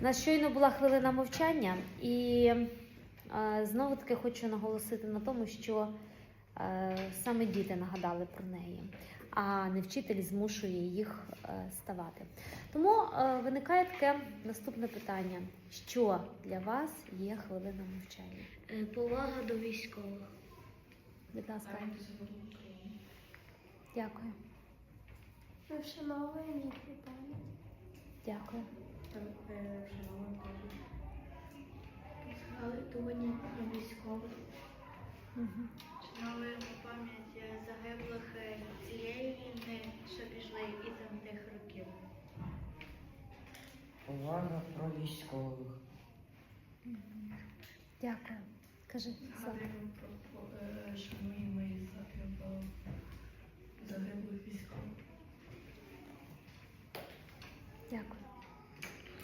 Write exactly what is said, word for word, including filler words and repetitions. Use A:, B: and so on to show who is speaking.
A: нас щойно була хвилина мовчання, і е, знову таки хочу наголосити на тому, що е, саме діти нагадали про неї, а не вчитель змушує їх е, ставати. Тому е, виникає таке наступне питання. Що для вас є хвилина мовчання?
B: Е, Повага до військових.
A: Будь ласка. Дякую.
B: Вшановуємо їхню пам'ять.
A: Дякую.
B: Згадування про військових.
A: Угу.
B: Вшановуємо пам'ять загиблих цієї війни, що пішли із тих років.
C: Увага про військових.
A: Дякую. Кажи, Слава.
D: Шануємо і загиблих військових.
A: Дякую.